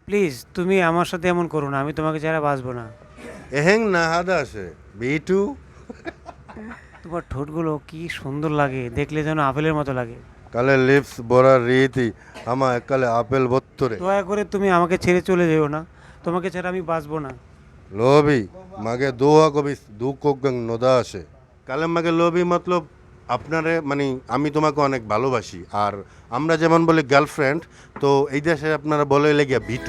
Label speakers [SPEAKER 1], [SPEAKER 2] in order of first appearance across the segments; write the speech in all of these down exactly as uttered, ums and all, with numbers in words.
[SPEAKER 1] Please তুমি আমার সাথে এমন করো না, আমি তোমাকে ছাড়া বাঁচবো না।
[SPEAKER 2] এহেং না হাদা আসে বিটু।
[SPEAKER 1] তোমার ঠোঁটগুলো কি সুন্দর লাগে, দেখলে যেন আপেলের মতো লাগে।
[SPEAKER 2] কালে লিপস বড়া রীতি আমা একালে আপেল বত্তরে।
[SPEAKER 1] দয়া করে তুমি আমাকে ছেড়ে চলে যেও না, তোমাকে ছাড়া আমি বাঁচবো না।
[SPEAKER 2] লোভি মাগে দোহা কবিস দু কোগং নদা আসে। কালে মাগে লোভি মতলব আপনারে মানে আমি তোমাকে অনেক ভালোবাসি, আর আমরা যেমন বলি গার্লফ্রেন্ড, তো এই দেশে আপনারা বলে লেগিয়া বিটু।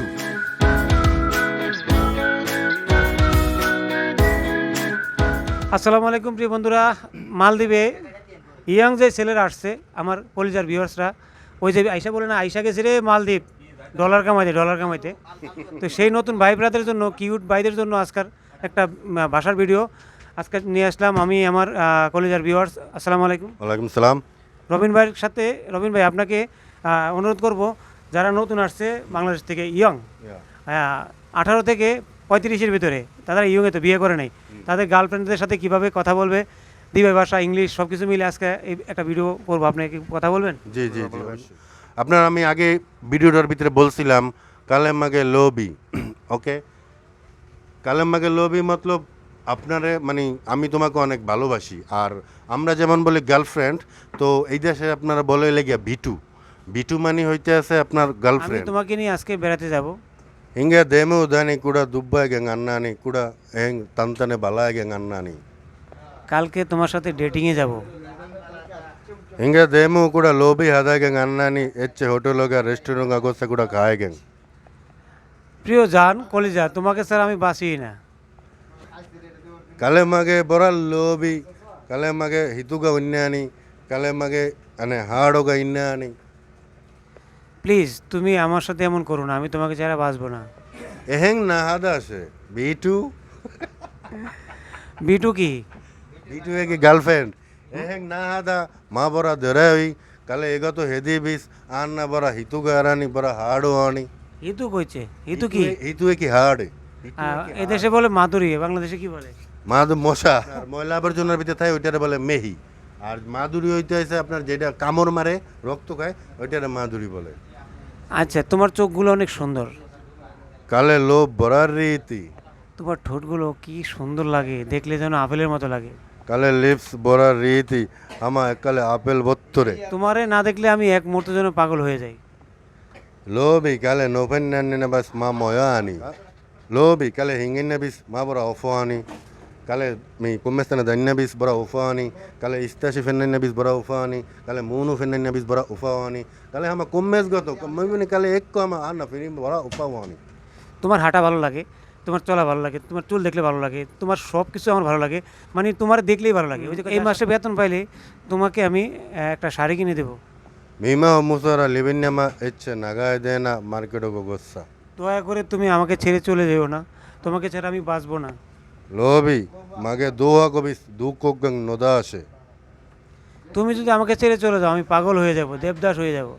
[SPEAKER 1] আসসালামু আলাইকুম প্রিয় বন্ধুরা। মালদ্বীপে ইয়াং যে ছেলেরা আসছে আমার কলিজার ভিউয়ার্সরা, ওই যে আইসা বলে না, আইসা গেছে রে মালদ্বীপ ডলার কামাইতে ডলার কামাইতে। তো সেই নতুন ভাই ব্রাদের জন্য, কিউট ভাইদের জন্য আজকাল একটা উম, ভাষার ভিডিও আজকে নিয়ে আসলাম আমি আমার আহ, কলিজার ভিউয়ার্স। আসসালামু আলাইকুম।
[SPEAKER 2] ওয়ালাইকুম সালাম।
[SPEAKER 1] রবিন ভাইয়ের সাথে, রবিন ভাই আপনাকে আহ, অনুরোধ করব, যারা নতুন আসছে বাংলাদেশ থেকে ইয়ং, আঠারো থেকে পঁয়ত্রিশের ভিতরে, তারা ইয়ংয়ে তো বিয়ে করে নাই, তাদের গার্লফ্রেন্ডদের সাথে কিভাবে কথা বলবে, দিবে ভাষা ইংলিশ সব কিছু মিলে আজকে এই একটা ভিডিও করবো। আপনি কি কথা বলবেন?
[SPEAKER 2] জি জি জি আপনার আমি আগে ভিডিওটার ভিতরে বলছিলাম কালে মাগে লোভি। ওকে, কালে মাগে লোভি মতলব আপনারে মানে আমি তোমাকে অনেক ভালোবাসি, আর আমরা যেমন বলি গার্লফ্রেন্ড, তো এই দেশে আপনারা বলে লেগিয়া বিটু। বিটু মানে হইতে আছে আপনার
[SPEAKER 1] আমি
[SPEAKER 2] গার্লফ্রেন্ড।
[SPEAKER 1] তোমাকে নিয়ে আজকে বেড়াতে যাব।
[SPEAKER 2] ಹಿಂಗೆ ದೇಮು ಉದಾನಿ ಕೂಡ ದುಬ್ಬಾಗೆ ಹೆಂಗೆ ಅನ್ನಾನಿ ಕೂಡ ಹೆಂಗೆ ತಂತಾನೆ ಬಲಾಗೆ ಹೆಂಗೆ ಅನ್ನಾನಿ
[SPEAKER 1] কালকে তোমার সাথে ডেটিংয়ে যাব।
[SPEAKER 2] ಹಿಂಗೆ ದೇಮು ಕೂಡ ಲೋಬಿ ಆದಾಗ ಹೆಂಗೆ ಅನ್ನಾನಿ ಹೆಚ್ಚು ಹೋಟೆಲ್ಗೆ ರೆಸ್ಟೋರೆಂಟ್ ಆಗೋಸ್ತ ಕೂಡ ಕಾಯಿಗೆ
[SPEAKER 1] প্রিয় জান কলিজা, তোমাকে স্যার আমি বাঁচি না।
[SPEAKER 2] ಕಲೆ ಮಗೆ ಬರಲ್ ಲೋಬಿ ಕಲೆ ಮಗೆ ಹಿತುಗ ಉನ್ಯಾನಿ ಕಲೆ ಮಗೆ ಅನೆ ಹಾಡೋಗ ಇನ್ಯಾನಿ
[SPEAKER 1] প্লিজ তুমি আমার সাথে এমন করো না, আমি তোমাকে ছাড়া বাঁচবো না।
[SPEAKER 2] ಎಹೆಂಗ್ ನಾ ಹಾದ আসে বিটু।
[SPEAKER 1] বিটু কি?
[SPEAKER 2] বিটু কি গার্লফ্রেন্ড এহেং না হাদা মা বরা ধরাই কালে এগত হেদি বিস আন না বরা হিতুগা আরানি বরা হাড়ো আনি
[SPEAKER 1] হিতু কইছে? হিতু কি?
[SPEAKER 2] হিতু কি হাড়
[SPEAKER 1] আহ, এদেশে বলে মাধুরী, বাংলাদেশে কি বলে?
[SPEAKER 2] মাদু মশা আর ময়লা আবর্জনার ভিতরে থাকে ওইটারে বলে মেহি, আর মাদুরি হইতে হয়েছে আপনার যেটা কামড় মারে রক্ত খায় ওইটারে মাদুরি বলে।
[SPEAKER 1] আচ্ছা, তোমার চোখগুলো অনেক সুন্দর,
[SPEAKER 2] কালে লোভ বরার রীতি
[SPEAKER 1] তোমার ঠোঁটগুলো কি সুন্দর লাগে, দেখলে যেন আপেলের মতো লাগে।
[SPEAKER 2] কালে লিপস বরার রীতি আমা কালে আপেল বত্তরে।
[SPEAKER 1] তোমারে না দেখলে আমি এক মুহূর্তের জন্য পাগল হয়ে যাই।
[SPEAKER 2] লোভি কালে নোফেন না বাস মা ময়া আনি লোভি কালে হিঙ্গিন বিস মা বড় অফো আনি কালে মি কুম্মেস্তানে দন্য বিস বড় উফা আনি কালে ইস্তাশি ফেন্নান্য বিস বড় উফা আনি কালে মুনু ফেন্নান্য বিস বড় উফা আনি কালে হামা কুম্মেস গত কম্মিনি কালে এক কো আমা আনা ফিরি বড় উফা আনি।
[SPEAKER 1] তোমার হাঁটা ভালো লাগে, তোমার চলা ভালো লাগে, তোমার চুল দেখলে ভালো লাগে, তোমার সব কিছু আমার ভালো লাগে, মানে তোমার দেখলেই ভালো লাগে। ওই যে এই মাসে বেতন পাইলে তোমাকে আমি আহ, একটা শাড়ি কিনে দেবো।
[SPEAKER 2] মীমা মুসারা লিবিন্যামা এচ্ছে নাগায় দেয় না মার্কেটও গোসা।
[SPEAKER 1] দয়া করে তুমি আমাকে ছেড়ে চলে যেও না, তোমাকে ছাড়া আমি বাঁচবো না।
[SPEAKER 2] লোভি মাগে দোহা কবিস দু কোগং নদা আসে।
[SPEAKER 1] তুমি যদি আমাকে ছেড়ে চলে যাও আমি পাগল হয়ে যাব, দেবদাস হয়ে যাব।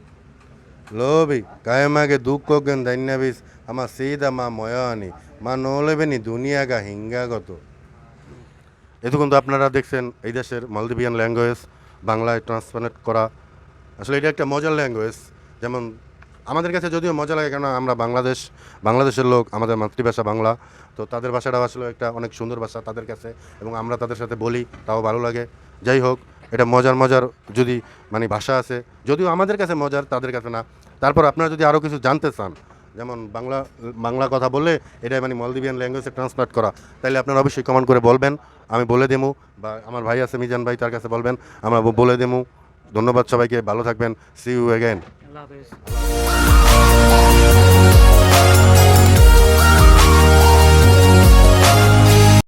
[SPEAKER 2] লোভি কায়ে মাগে দু কোগং দন্যাবিস আমার সিদা মা ময়া আনি মা নোলেবেনি দুনিয়াগা হিঙ্গাগত। এতক্ষণ তো আপনারা দেখছেন এই দেশের মালদ্বীপিয়ান ল্যাঙ্গুয়েজ বাংলায় ট্রান্সলেট করা। আসলে এটা একটা মজার ল্যাঙ্গুয়েজ, যেমন আমাদের কাছে যদিও মজা লাগে, কেন আমরা বাংলাদেশ বাংলাদেশের লোক, আমাদের মাতৃভাষা বাংলা, তো তাদের ভাষাটা আসলে একটা অনেক সুন্দর ভাষা তাদের কাছে, এবং আমরা তাদের সাথে বলি তাও ভালো লাগে। যাই হোক, এটা মজার মজার যদি মানে ভাষা আছে, যদিও আমাদের কাছে মজার তাদের কাছে না। তারপর আপনারা যদি আরও কিছু জানতে চান, যেমন বাংলা বাংলা কথা বললে এটা মানে মলদ্বীপিয়ান ল্যাঙ্গুয়েজে ট্রান্সলেট করা, তাহলে আপনারা অবশ্যই কমেন্ট করে বলবেন, আমি বলে দেবো, বা আমার ভাই আছে মিজান ভাই, তার কাছে বলবেন, আমরা বলে দেবো। ধন্যবাদ সবাইকে, ভালো থাকবেন, সি ইউ অ্যাগেন।
[SPEAKER 1] আল্লাহ হাফেজ।